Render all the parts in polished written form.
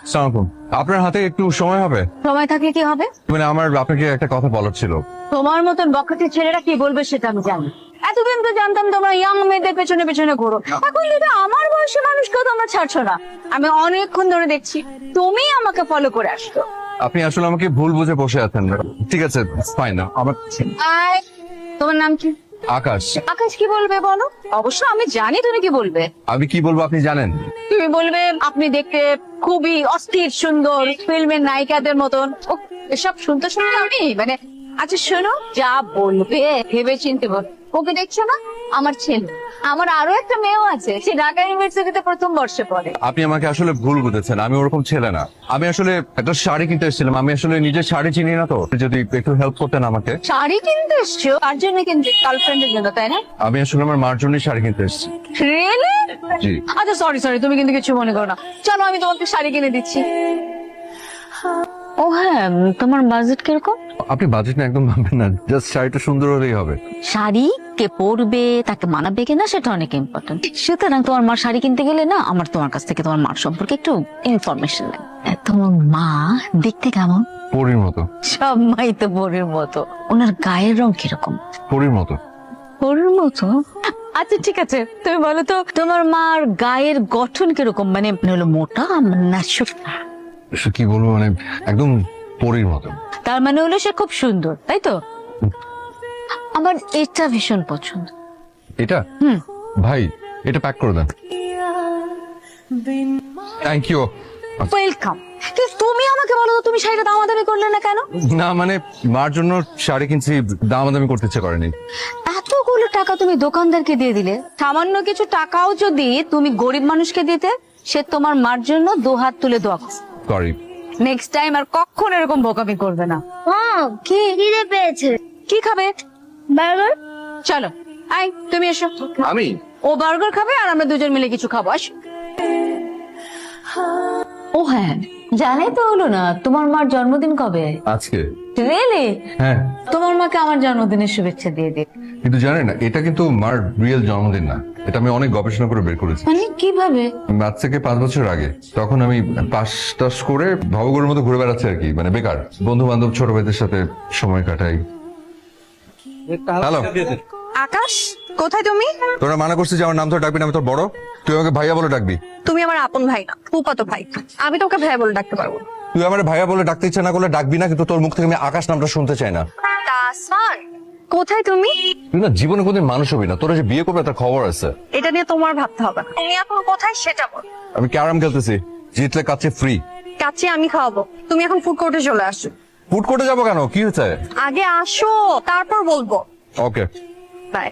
সালামালাইকুম। আপনার হাতে একটু সময় হবে? সময় থাকলে কি হবে? মানে আমার আপনাকে একটা কথা বলার ছিল। তোমার মতন বখাটে ছেলেরা কি বলবে সেটা আমি জানি। এতদিন তো জানতাম তোমরা ইয়াং মেয়েদের পেছনে পেছনে ঘোরো, এখন যদি আমার বয়সী মানুষকেও তোমরা ছাড়ছো না। আমি অনেকক্ষণ ধরে দেখছি তুমি আমাকে ফলো করে আসছো। আপনি আসলে আমাকে ভুল বুঝে বসে আছেন। ঠিক আছে, ফাইন। আমার আয়, তোমার নাম কি? আকাশ। আকাশ কি বলবে বলো? অবশ্য আমি জানি তুমি কি বলবে। আমি কি বলবো আপনি জানেন? তুমি বলবে আপনি দেখতে খুবই অস্থির সুন্দর, ফিল্মের নায়িকাদের মতন। ও, এসব শুনতে শুনতে আমি মানে, আচ্ছা শোনো, যা বলবে ভেবে চিনতে বল। ওকে দেখছো না, আমার ছেলে। আমার আরো একটা মেয়েও আছে, সে ঢাকা ইউনিভার্সিটিতে প্রথম বর্ষে পড়ে। আপনি আমাকে আসলে ভুল বুঝেছেন, আমি ওরকম ছেলে না। আমি আসলে একটা শাড়ি কিনতে এসেছিলাম, আমি আসলে নিজের শাড়ি চিনি না, তো যদি একটু হেল্প করতেন আমাকে। শাড়ি কিনতে এসছো? আর জন্য কিনতে? গার্লফ্রেন্ডের জন্য, তাই না? আমি আসলে আমার মার জন্য শাড়ি কিনতে এসেছি। রিয়েলি? জি। আচ্ছা সরি সরি, তুমি কিন্তু কিছু মনে করো না। চলো আমি তোমাকে শাড়ি কিনে দিচ্ছি। ও হ্যাঁ, তোমার বাজেট কিরকম? আপনি বাজেট না একদম ভাববেন না, জাস্ট শাড়িটা সুন্দর হলেই হবে। শাড়ি কে পরবে, তাকে মানাবে কিনা সেটা অনেক ইম্পর্টেন্ট। সুতরাং তোমার মা শাড়ি কিনতে গেলে না, আমার তোমার কাছ থেকে তোমার মার সম্পর্কে একটু ইনফরমেশন লাগে। তোমার মা দেখতে কেমন? পরীর মতো। সব মাই তো পরীর মতো। ওনার গায়ের রং কিরকম? পরীর মতো। পরীর মতো? আচ্ছা ঠিক আছে, তুমি বলো তো তোমার মার গায়ের গঠন কিরকম? মানে হলো মোটা না শুকনা? কি বলবো, মানে একদম পরীর মতো। তার মানে হলো সে খুব সুন্দর, তাই তো? আমার এটা ভীষণ পছন্দ। এটা? ভাই, এটা প্যাক করে দেন। Thank you. ওয়েলকাম। কিন্তু তুমি আমাকে বলো তো, তুমি শাড়িটা দামাদামি করলে না কেন? না মানে, মার জন্য শাড়ি কিনছি, দামাদামি করতে ইচ্ছে করেনি। এতগুলো টাকা তুমি দোকানদারকে দিয়ে দিলে, সামান্য কিছু টাকাও যদি তুমি গরিব মানুষকে দিতে, সে তোমার মার জন্য দুহাত তুলে দোয়া করবে। সরি। নেক্সট টাইম আর কখনো এরকম বোকামি করবে না। কি খিদে পেয়েছে? কি খাবে? বার্গার? চলো আই, তুমি এসো। আমি? ও বার্গার খাবে আর আমরা দুজন মিলে কিছু খাবো। আসো। ও হ্যাঁ, জানাই তো হলো না, তোমার মার জন্মদিন কবে? আজকে। রিয়েলি? হ্যাঁ। তোমার মাকে আমার জন্মদিনের শুভেচ্ছা দিয়ে দিই। কিন্তু জানেন না, এটা কিন্তু মার রিয়েল জন্মদিন না। এটা আমি অনেক গবেষণা করে বের করেছি। মানে কিভাবে? আজ থেকে 5 বছর আগে, তখন আমি পাশ টাস করে ভবঘুরের মতো ঘুরে বেড়াচ্ছি আর কি, মানে বেকার। বন্ধু বান্ধব ছোট ভাইদের সাথে সময় কাটাই। হ্যালো, আকাশ, কোথায় তুমি? তোরা মানা করছিস যে আমার নাম ধরে ডাকবি না, আমি তোর বড়, তুই আমাকে ভাইয়া বলে ডাকবি। তুমি আমার আপন ভাই না, ফুফাতো ভাই। আমি তোমাকে ভাইয়া বলে ডাকতে পারবো না। তুই আমার ভাইয়া বলে ডাকতে ইচ্ছা না করলে ডাকবি না, কিন্তু তোর মুখ থেকে আমি আকাশ নামটা শুনতে চাই না। তাসমান, কোথায় তুমি? তুই না জীবনে কোনদিন মানুষ হবি না, তোরা যে বিয়ে করবে তার খবর আছে। এটা নিয়ে তোমার ভাবতে হবে না। তুমি এখন কোথায় সেটা বল। আমি ক্যারাম খেলতেছি, জিতলে কাছে ফ্রি। কাছে আমি খাওয়াবো, তুমি এখন ফুড কোর্টে চলে আসো। ফুড কোর্টে যাবো কেন, কি হয়েছে? আগে আসো, তারপর বলবো। ওকে। বাই।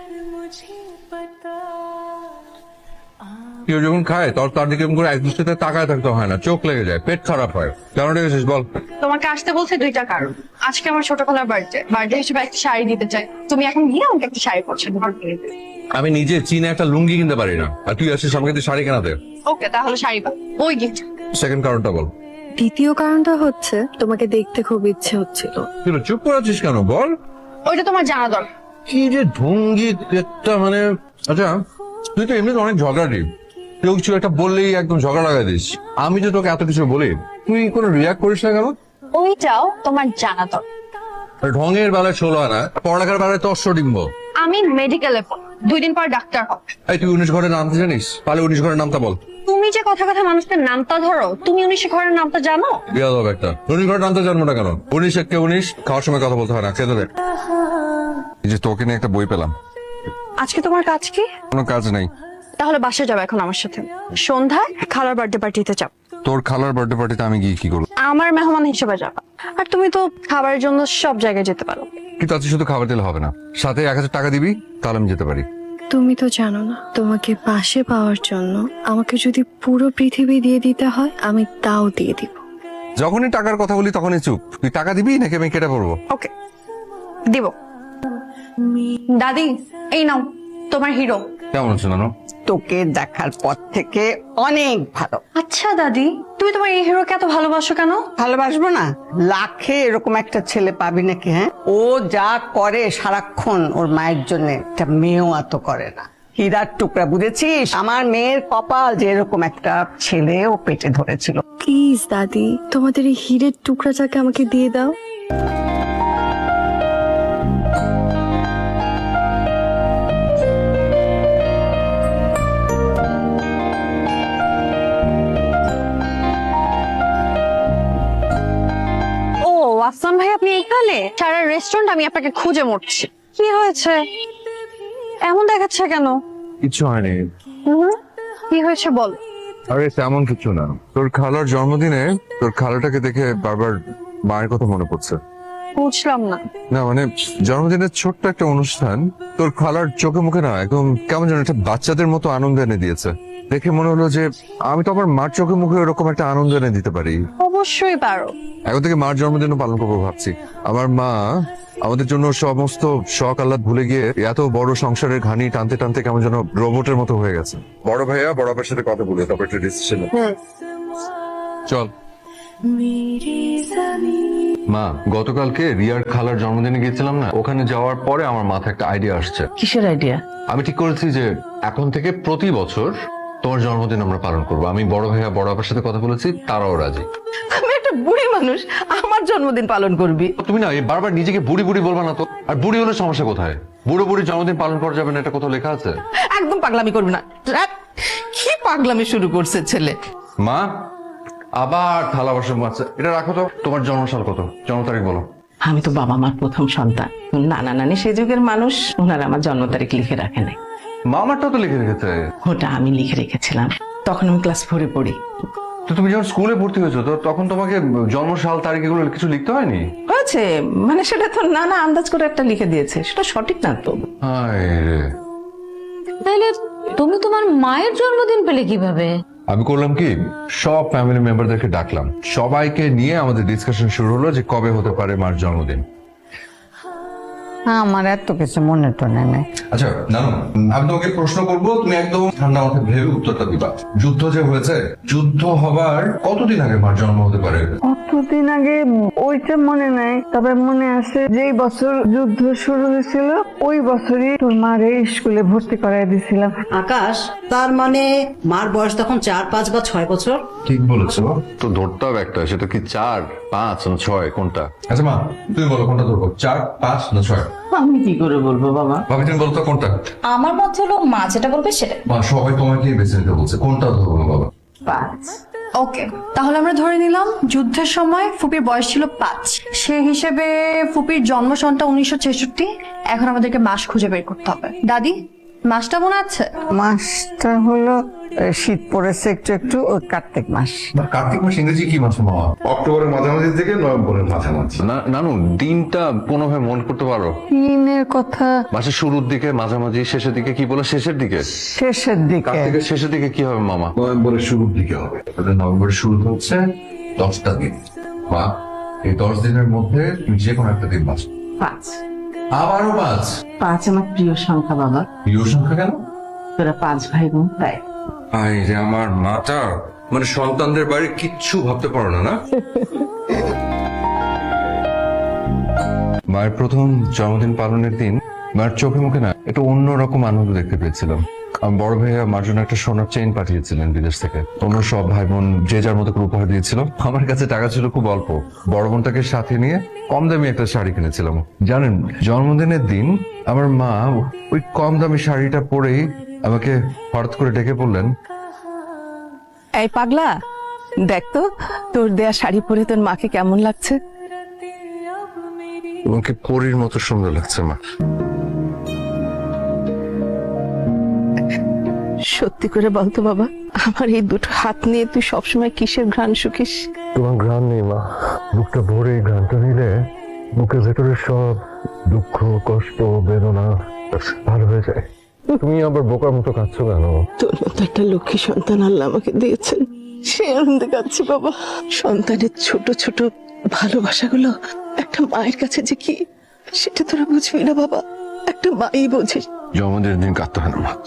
কেউ যখন খায় তার দিকে এরকম করে এক দৃষ্টিতে তাকায় থাকতে হয় না, চোখ লেগে যায়, পেট খারাপ হয়। কেন ডেকেছিস বল? তোমাকে আসতে বলছে দুইটা কারণ। আজকে আমার ছোটবেলার বার্থডে হিসেবে একটা শাড়ি দিতে চাই। তুমি এখন গিয়ে আমাকে একটা শাড়ি পছন্দ করে দিবে। আমি নিজে চীনে একটা লুঙ্গি কিনতে পারি না, আর তুই আসিস আমাকে তুই শাড়ি কেনাতে। ওকে, তাহলে শাড়ি পাবো। ওই গিফট। সেকেন্ড কারণটা বল। দ্বিতীয় কারণটা হচ্ছে তোমাকে দেখতে খুব ইচ্ছে হচ্ছিল। তুই চুপ করে আছিস কেন বল? ওইটা তোমার জানা দরকার। কি যে ঢঙ্গি একটা, মানে আচ্ছা, তুই তো এমনিতে অনেক ঝগড়াটি, কেউ কিছু একটা বললেই একদম ঝগড়া লাগাই দিস। আমি যে তোকে এত কিছু বলি, তুই কোনো রিয়াক্ট করিস না কেন? ওইটাও তোমার জানা দরকার। ঢঙের বেলায় 16 আনা, পড়ালেখার বেলায় তো 800 ডিম্ব। আমি মেডিকেলে 2 দিন পর ডাক্তার হব। এই তুই 19 ঘরের নামটা জানিস? পালে 19 ঘরের নামটা বল। তুমি যে কথা কথা মানুষের নামটা ধরো, তুমি 19 ঘরের নামটা জানো? বিয়া হবে একটা 19 ঘরের নামটা জানবো না কেন? 19 একে 19, খাওয়ার সময় কথা বলতে হয় না, খেতে দে। এই যে তোকে নিয়ে একটা বই পেলাম। আজকে তোমার কাজ কি? কোনো কাজ নেই। তাহলে বাসায় যাবে এখন আমার সাথে। সন্ধ্যায় খালার বার্থডে পার্টিতে যাও। তোর খালার বার্থডে পার্টিতে আমি গিয়ে কি করবো? আমার মেহমান হিসেবে যাবা। আর তুমি তো খাবারের জন্য সব জায়গায় যেতে পারো। কিন্তু আজকে শুধু খাবার দিলে হবে না, সাথে 1000 টাকা দিবি, তাহলে আমি যেতে পারি। তুমি তো জানো না, তোমাকে পাশে পাওয়ার জন্য আমাকে যদি পুরো পৃথিবী দিয়ে দিতে হয়, আমি তাও দিয়ে দিব। যখনই টাকার কথা বলি তখনই চুপ। তুই টাকা দিবি নাকি আমি কেটে পড়বো? ওকে, দিব। দাদি, এই নাও তোমার হিরো। কেমন আছো নানু? তোকে দেখার পর থেকে অনেক ভালো। আচ্ছা দাদি, তুমি তোমার এই হিরোকে এত ভালোবাসো কেন? ভালোবাসবো না? লাখে এরকম একটা ছেলে পাবি নাকি? হ্যাঁ, ও যা করে সারাক্ষণ ওর মায়ের জন্য, একটা মেয়েও এত করে না। হীরার টুকরা, বুঝেছিস? আমার মেয়ের কপাল যে এরকম একটা ছেলে ও পেটে ধরেছিল। প্লিজ দাদি, তোমাদের এই হীরের টুকরাটাকে আমাকে দিয়ে দাও। ও আফসান ভাই, আপনি এখানে? সারা রেস্টুরেন্ট আমি আপনাকে খুঁজে মরছি। কি হয়েছে, এমন দেখাচ্ছে কেন? কিছু হয়নি। কি হয়েছে বল। আরে তেমন কিছু না, তোর খালার জন্মদিনে তোর খালাটাকে দেখে বারবার মায়ের কথা মনে পড়ছে। বুঝলাম না। না মানে জন্মদিনের ছোট্ট একটা অনুষ্ঠান, তোর খালার চোখে মুখে না একদম কেমন যেন একটা বাচ্চাদের মতো আনন্দ এনে দিয়েছে। দেখে মনে হলো যে আমি তো আমার মার চোখে মুখে এরকম একটা আনন্দ এনে দিতে পারি। অবশ্যই পারো। এখন থেকে মার জন্মদিনও পালন করবো ভাবছি। আমার মা আমাদের জন্য সমস্ত শখ আহ্লাদ ভুলে গিয়ে এত বড় সংসারের ঘানি টানতে টানতে কেমন যেন রোবটের মতো হয়ে গেছে। বড় ভাইয়া বড় আপার সাথে কথা বলে তারপর একটা ডিসিশন। চল। মা, গতকালকে রিয়ার খালার জন্মদিনে গিয়েছিলাম না, ওখানে যাওয়ার পরে আমার মাথায় একটা আইডিয়া আসছে। কিসের আইডিয়া? আমি ঠিক করেছি যে এখন থেকে প্রতি বছর তোমার জন্মদিন আমরা পালন করবো। আমি বড় ভাইয়া বড় আপার সাথে কথা বলেছি, তারাও রাজি। আমি একটা বুড়ি মানুষ, আমার জন্মদিন পালন করবি? তুমি না এই বারবার নিজেকে বুড়ি বুড়ি বলবা না তো। আর বুড়ি হলে সমস্যা কোথায়? বুড়ো বুড়ি জন্মদিন পালন করা যাবে না, এটা কোথাও লেখা আছে? একদম পাগলামি করবি না। কি পাগলামি শুরু করছে ছেলে। মা, আবার থালা বাসন মাছ, এটা রাখো তো। তোমার জন্মসাল কত, জন্ম তারিখ বলো। আমি তো বাবা মার প্রথম সন্তান। নানা নানি সে যুগের মানুষ, ওনারা আমার জন্ম তারিখ লিখে রাখে নাই। মা আমারটাও তো লিখে রেখেছে। ওটা আমি লিখে রেখেছিলাম, তখন আমি ক্লাস 4-এ পড়ি। তো তুমি যখন স্কুলে ভর্তি হয়েছো তো তখন তোমাকে জন্মসাল তারিখ এগুলো কিছু লিখতে হয়নি? হয়েছে, মানে সেটা তো নানা আন্দাজ করে একটা লিখে দিয়েছে, সেটা সঠিক না তো। হায় রে। তাহলে তুমি তোমার মায়ের জন্মদিন পেলে কিভাবে? আমি করলাম কি, সব ফ্যামিলি মেম্বারদেরকে ডাকলাম, সবাইকে নিয়ে আমাদের ডিসকাশন শুরু হলো যে কবে হতে পারে মার জন্মদিন। আমার এত কিছু মনে টনে নেই। আচ্ছা নানু, আমি তোমাকে প্রশ্ন করবো, তুমি একদম ঠান্ডা মাথায় ভেবে উত্তরটা দিবা। যুদ্ধ যে হয়েছে, যুদ্ধ হবার কতদিন আগে মার জন্ম হতে পারে? কতদিন আগে ওইটা মনে নাই, তবে মনে আছে যেই বছর যুদ্ধ শুরু হয়েছিল ওই বছরই তোর মারে স্কুলে ভর্তি করাই দিছিলাম। আকাশ, তার মানে মার বয়স তখন 4, 5 বা 6 বছর। ঠিক বলেছো। তো ধরতে হবে একটা, সেটা কি 4, 5 না 6 কোনটা? আচ্ছা মা, তুমি বলো কোনটা ধরবো, 4, 5 না 6? আমি কি করে বলবো বাবা? ভাবি তুমি বলো তো কোনটা? আমার মতে হলো মা যেটা বলবে সেটা। মা সবাই তোমাকে বেছে নিতে বলছে, কোনটা ধরবো বাবা? 5। ওকে, তাহলে আমরা ধরে নিলাম যুদ্ধের সময় ফুপির বয়স ছিল 5। সেই হিসেবে ফুপির জন্ম সনটা 1966। এখন আমাদেরকে মাস খুঁজে বের করতে হবে। দাদি, মাসটা মনে আছে? মাসটা হলো শীত পড়েছে একটু একটু, ওই কার্তিক মাস। কার্তিক মাস ইংরেজি কি মাস মামা? অক্টোবরের মাঝামাঝি থেকে নভেম্বরের মাঝামাঝি। নানু, দিনটা কোনোভাবে মনে করতে পারো? দিনের কথা মাসের শুরুর দিকে, মাঝামাঝি, শেষের দিকে? কি বলে শেষের দিকে? শেষের দিকে। কার্তিকের শেষের দিকে কি হবে মামা? নভেম্বরের শুরুর দিকে হবে। তাহলে নভেম্বরের শুরুতে হচ্ছে 10টা দিন। মা, এই 10 দিনের মধ্যে তুমি যে কোনো একটা দিন বাঁচ। 5 আবারও 5? 5 আমার প্রিয় সংখ্যা বাবা। প্রিয় সংখ্যা কেন? তোরা 5 ভাই বোন, তাই। আই রে আমার মাটা, মানে সন্তানদের বাড়ি কিচ্ছু ভাবতে পারো না। না মায়ের প্রথম জন্মদিন পালনের দিন মায়ের চোখে মুখে না একটু অন্যরকম আনন্দ দেখতে পেয়েছিলাম। আমার বড় ভাইয়া মার জন্য একটা সোনার চেইন পাঠিয়েছিলেন বিদেশ থেকে। অন্য সব ভাই বোন যে যার মতো করে উপহার দিয়েছিল। আমার কাছে টাকা ছিল খুব অল্প, বড় বোনটাকে সাথে নিয়ে কম দামি একটা শাড়ি কিনেছিলাম। জানেন, জন্মদিনের দিন আমার মা ওই কম দামি শাড়িটা পরেই আমাকে হঠাৎ করে ডেকে বললেন, এই পাগলা, দেখ তো তোর দেয়া শাড়ি পরে তোর মাকে কেমন লাগছে। তোমাকে পরীর মতো সুন্দর লাগছে মা। সত্যি করে বলতো বাবা, আমার এই দুটো হাত নিয়ে তুই সবসময় কিসের ঘ্রাণ শুকিস? তোমার ঘ্রাণ নেই মা, বুকটা ভরে এই ঘ্রাণটা নিলে বুকের ভেতরে সব দুঃখ, কষ্ট, বেদনা ভালো হয়ে যায়। তুমি আবার বোকার মতো কাঁদছো কেন? তোর মতো একটা লক্ষ্মী সন্তান আল্লাহ আমাকে দিয়েছেন, সে আনন্দে কাঁদছি বাবা। সন্তানের ছোট ছোট ভালোবাসাগুলো একটা মায়ের কাছে যে কি, সেটা তোরা বুঝবি না বাবা, একটা মাই বোঝে। জন্মদিনের দিন কাঁদতে হয় না মা।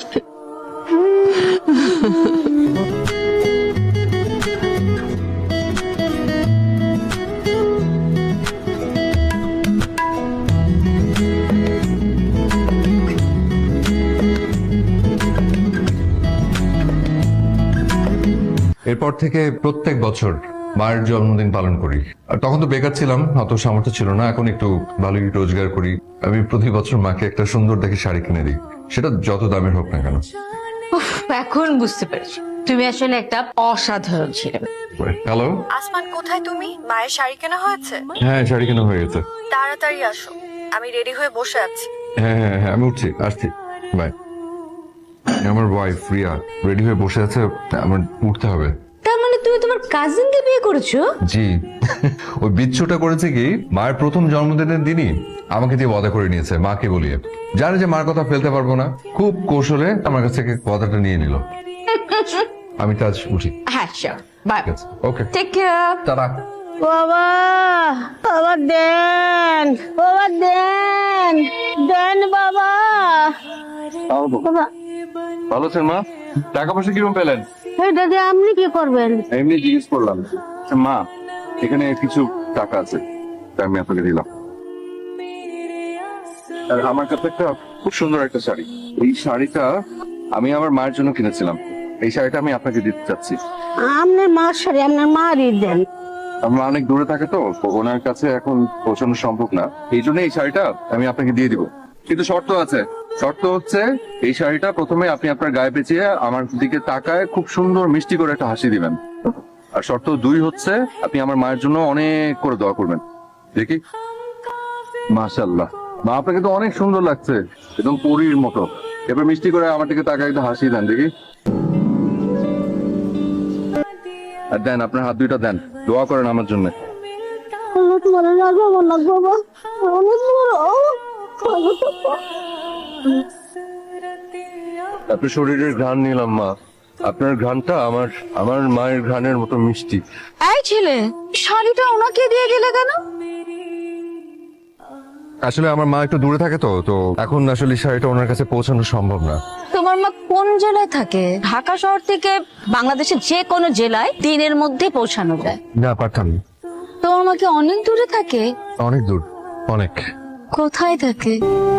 এরপর থেকে প্রত্যেক বছর মায়ের জন্মদিন পালন করি। আর তখন তো বেকার ছিলাম, অত সামর্থ্য ছিল না। এখন একটু ভালোই রোজগার করি। আমি প্রতি বছর মাকে একটা সুন্দর দেখে শাড়ি কিনে দিই, সেটা যত দামের হোক না কেন। উফ, এখন বুঝতে পেরেছি তুমি আসলে একটা অসাধারণ ছেলে। হ্যালো, আসমান কোথায় তুমি? মায়ের শাড়ি কেনা হয়েছে? হ্যাঁ শাড়ি কেনা হয়ে গেছে। তাড়াতাড়ি আসো, আমি রেডি হয়ে বসে আছি। হ্যাঁ হ্যাঁ হ্যাঁ, আমি উঠছি, আসছি, বাই। আমার ওয়াইফ রিয়া রেডি হয়ে বসে আছে, আমার উঠতে হবে। তার মানে তুমি তোমার কাজিনকে বিয়ে করেছো? জি, ওই বিচ্ছুটা করেছে কি, মায়ের প্রথম জন্মদিনের দিনই আমাকে দিয়ে ওয়াদা করে নিয়েছে, মাকে বলিয়ে। জানে যে মার কথা ফেলতে পারবো না, খুব কৌশলে আমার কাছ থেকে ওয়াদাটা নিয়ে নিল। আমি তো আজ উঠি। হ্যাঁ sure, bye, okay, take care. টাটা। বাবা বাবা দেন, বাবা দেন, দেন বাবা। বাবা ভালো আছেন মা? টাকা পয়সা কিরকম পেলেন? এই দাদি আপনি কি করবেন? এমনি জিজ্ঞেস করলাম। মা, এখানে কিছু টাকা আছে, তাই আমি আপনাকে দিলাম। আর আমার কাছে একটা খুব সুন্দর একটা শাড়ি, এই শাড়িটা আমি আমার মায়ের জন্য কিনেছিলাম। এই শাড়িটা আমি আপনাকে দিতে চাচ্ছি। আপনার মার শাড়ি আপনার মারই দেন। আমরা অনেক দূরে থাকে তো, ওনার কাছে এখন পৌঁছানো সম্ভব না, এই জন্য এই শাড়িটা আমি আপনাকে দিয়ে দিব। কিন্তু শর্ত আছে। শর্ত হচ্ছে এই শাড়িটা প্রথমে আপনি আপনার গায়ে পেঁচিয়ে আমার দিকে তাকায় খুব সুন্দর মিষ্টি করে একটা হাসি দিবেন। আর শর্ত 2 হচ্ছে আপনি আমার মায়ের জন্য অনেক করে দোয়া করবেন। দেখি, মাশাআল্লাহ মা, আপনাকে তো অনেক সুন্দর লাগছে, একদম পরীর মতো। এবার মিষ্টি করে আমার দিকে তাকায় একটা হাসি দেন দেখি। আর দেন, আপনার হাত দুইটা দেন, দোয়া করেন আমার জন্য। অনেক বড় লাগবে, আমার লাগবে বাবা, অনেক বড়। আপনার শরীরের ঘ্রাণ নিলাম মা, আপনার ঘ্রাণটা আমার আমার মায়ের ঘ্রাণের মতো মিষ্টি। এই ছেলে, শাড়িটা ওনাকে দিয়ে গেলে কেন? আসলে আমার মা একটু দূরে থাকে তো, এখন আসলে শাড়িটা ওনার কাছে পৌঁছানো সম্ভব না। তোমার মা কোন জেলায় থাকে? ঢাকা শহর থেকে বাংলাদেশের যে কোনো জেলায় দিনের মধ্যে পৌঁছানো যায়। না, পারতাম না। তোমার মা কি অনেক দূরে থাকে? অনেক দূর, অনেক। কোথায় থাকে?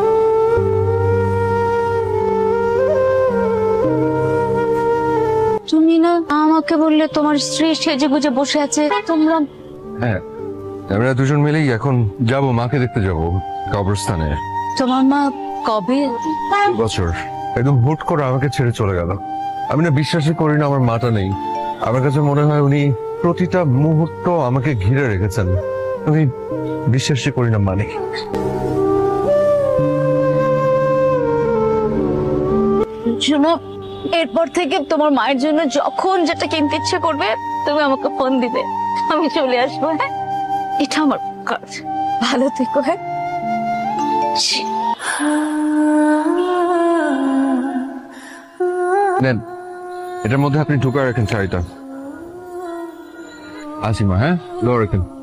তুমি না আমাকে বললে তোমার স্ত্রী সেজে গুজে বসে আছে, তোমরা? হ্যাঁ, আমরা দুজন মিলেই এখন যাব, মাকে দেখতে যাব কবরস্থানে। তোমার মা কবে? 2 বছর একদম হুট করে আমাকে ছেড়ে চলে গেল। আমি না বিশ্বাসই করি না আমার মাটা নেই। আমার কাছে মনে হয় উনি প্রতিটা মুহূর্ত আমাকে ঘিরে রেখেছেন। আমি বিশ্বাসই করি না মানে। শোনো, এরপর থেকে তোমার মায়ের জন্য যখন যেটা কিনতে ইচ্ছে করবে তুমি আমাকে ফোন দিবে, আমি চলে আসবো। হ্যাঁ, এটা আমার কাজ। ভালো থেকো। হ্যাঁ, নেন, এটার মধ্যে আপনি ঢুকা রাখেন শাড়িটা। আসি মা, হ্যাঁ, দোয়া রাখেন।